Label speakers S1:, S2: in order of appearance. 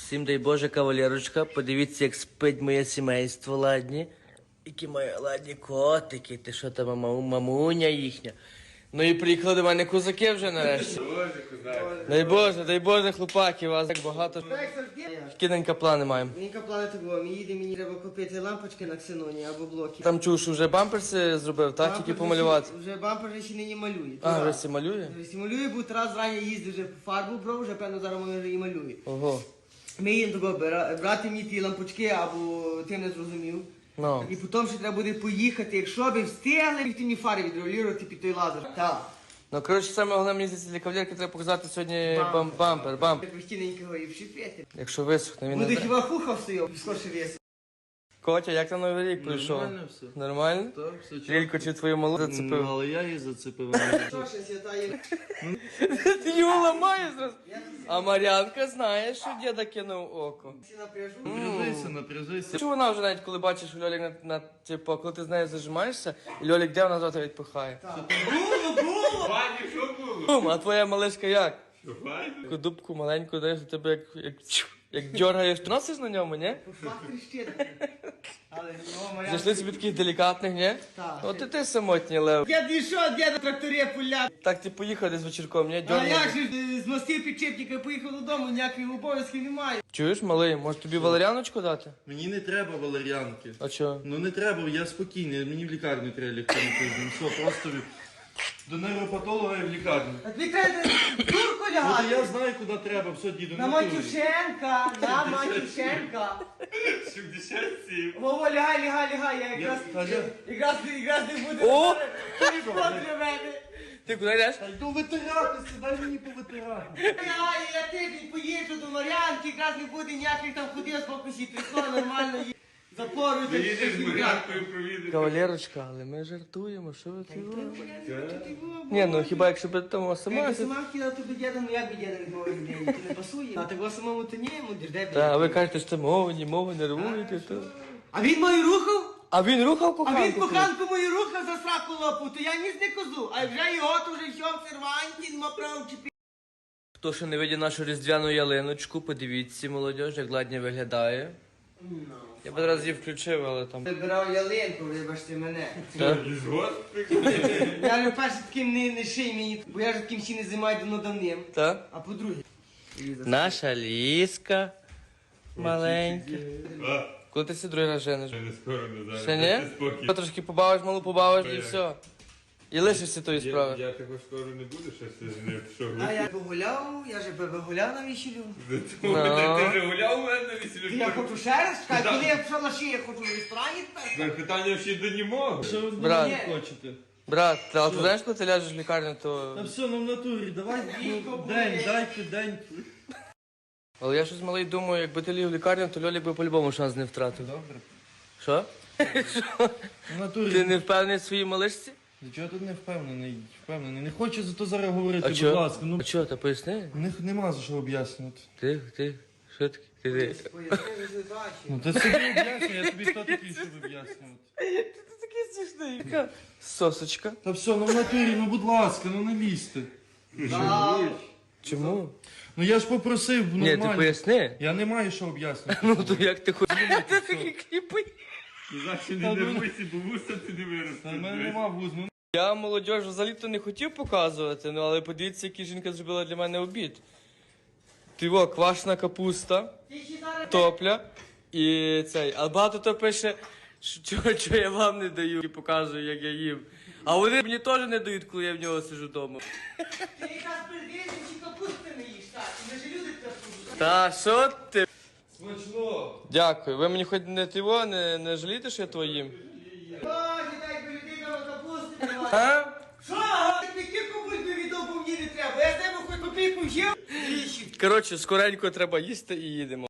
S1: Всім дай Боже, кавалерочка, подивіться, як спить моє сімейство, ладні. Які мої ладні котики, ти що там, мамуня їхня. Ну і приїхали до мене козаки вже нарешті. Дай Боже, хлопаки, вас так багато. Які плани маємо?
S2: Ненька плани того, мені треба купити лампочки на ксеноні або блоки.
S1: Там чув, що вже бамперси зробив, так? Тільки помалювати.
S2: Вже бампер ще не малює.
S1: А, вже всі малює?
S2: Вже малює, бо Тарас зрання їздив, вже фарбу брав, вже певно зараз вони вже і малює.
S1: Ого.
S2: Ми їм того брати мені ті лампочки, або ти не зрозумів.
S1: Ну.
S2: І потім ще треба буде поїхати, якщо би встигли, їх мені фари відрегулювати під той лазер. Так.
S1: Ну, коротше, саме головне, мені здається, для кавалерки треба показати сьогодні бампер.
S2: Постійненького і вшипити.
S1: Якщо висохне, він
S2: Буде
S1: не...
S2: хіба хуха стояв, скорше вес.
S1: Котя, як там Новий рік пройшов?
S3: Нормально все.
S1: Нормально?
S3: Так, все чітко.
S1: Лілько чи твою малу зацепив?
S3: Але я її зацепив.
S2: Що ще святає?
S1: Ти його ламаєш зразу. А Мар'янка знає, що діда кинув око.
S2: Всі напряжу.
S3: Напряжися.
S1: Чому вона вже навіть коли бачиш, що Льолік типу, коли ти з нею зажимаєшся, і Льолік де вона завтра відпихає.
S2: Було!
S4: Вані, що було?
S1: А твоя малишка як?
S4: Що, файно?
S1: Таку дубку маленьку, даєш, до тебе як дергаєш. Ти носиш на ньому, ні?
S2: Факт тріщить. Але ну, моя...
S1: Зайшли собі таких делікатних, ні?
S2: Так.
S1: От і ти самотній, Лев.
S2: Я дійшов, дід на тракторі пуля.
S1: Так ти поїхав десь вечірком, ні?
S2: А
S1: Дьорнув.
S2: як же ж, з мостів підчепника поїхав додому, ніяких обов'язків немає.
S1: Чуєш, малий, може тобі валеріаночку дати?
S3: Мені не треба валер'янки.
S1: А чого?
S3: Ну не треба, я спокійний, мені в лікарню треба лягти на тиждень. Все, просто до нейропатолога і в лікарню.
S2: А тобі треба дурку
S3: От
S2: лягати.
S3: я знаю, куди треба, все, діду,
S2: На
S3: не туй.
S2: Матюшенка, на Матюшенка.
S4: 77.
S2: Вова, лягай, я якраз не буде.
S1: О!
S2: Що для мене?
S1: Ти куди йдеш?
S3: Та йду витиратися, дай мені повитирати.
S2: Я тиждень поїжджу до Мар'янки, якраз не буде ніяких там ходив з покусі, прийшло нормально. Запорую.
S4: Заїдеш з Мар'янкою провідати.
S1: Кавалерочка, але ми жартуємо, що ви тут? Ні, ну хіба якщо б там сама...
S2: Я сама хотіла тобі діда, ну як би діда відмовив людей, ти не пасує. А того самому то ні, йому де
S1: Та, а ви кажете, що мову нервуєте, то...
S2: А він мою рухав?
S1: А він рухав
S2: А він
S1: коханку?
S2: коханку мою рухав за сраку лопу, то я ніс не козу. А вже його, то вже все в серванті, нема прав чіпі.
S1: Хто ще не видів нашу різдвяну ялиночку, подивіться, молодь, як ладні виглядає. Я б одразу її включив, але там...
S2: Вибирав ялинку, вибачте мене.
S1: Та?
S4: Згод?
S2: Я ж перше таким не ший мені, бо я ж таким ще не займаю давно давним.
S1: Та?
S2: А по-друге.
S1: Наша ліска маленька.
S4: А,
S1: Коли ти другий раз жениш?
S4: не скоро, не зараз.
S1: Ще ні?
S4: Дайте спокій.
S1: Трошки побавиш, малу побавиш і все. І лишишся тої справи.
S4: Я такого скоро не буду, щось не пішов.
S2: А я погуляв, я же погуляв на весіллю.
S4: Ти вже гуляв у мене на весіллі?
S2: Я хочу ще раз, чекай, коли я пішов на шиї, я хочу в ресторані тепер.
S4: Питання ще до німого.
S3: Що ви
S1: Брат.
S3: не хочете?
S1: Брат, а ти знаєш, коли ти ляжеш в лікарню,
S3: Та
S1: то...
S3: все, ну в натурі, давай
S2: Дідько,
S3: день,
S2: буде.
S3: дайте день.
S1: Але я щось малий думаю, якби ти ліг в лікарню, то Льолік би по-любому шанс не втратив.
S3: Добре.
S1: Що?
S3: В натурі.
S1: Ти не впевнений в своїй малишці?
S3: Чого тут не впевнений? Не хочу за то зараз говорити,
S1: А
S3: будь
S1: чо?
S3: ласка. Ну,
S1: А чого, та поясни?
S3: нема за що об'яснювати.
S1: Ти, що таке? Ти.
S2: Поясни ситуацію.
S3: Ну ти собі об'яснюй, я тобі хто такий, щоб об'яснювати.
S1: Ти такий смішний. Сосочка.
S3: Та все, ну в натурі, ну будь ласка, ну не лізьте.
S1: Чому?
S3: Ну я ж попросив
S1: Ні, ти
S3: нормально.
S1: поясни.
S3: Я не маю що об'яснювати.
S1: Ну то як ти хочеш? Ти такий кліпий.
S4: Завжди не нервуйся, бо вуса ти не
S3: Та в мене
S4: виростеш.
S3: нема вуз, ну
S1: Я молодь взагалі-то не хотів показувати, ну але подивіться, який жінка зробила для мене обід. Тиво, квашена капуста, топля і цей. А багато то пише, що я вам не даю і показую, як я їм. А вони мені теж не дають, коли я в нього сижу вдома.
S2: Ти якраз перед чи капусти не їш, так? Ми ж люди трапують.
S1: Та що ти?
S3: смачно.
S1: Дякую. Ви мені хоч не тиво, не жалієте, що я твоїм?
S2: О, дідай, бо людина капусти немає.
S1: А?
S2: Що? Ти кілько бульби віддав, бо мені не треба. Я з тебе хоч копійку взяв.
S1: Коротше, скоренько треба їсти і їдемо.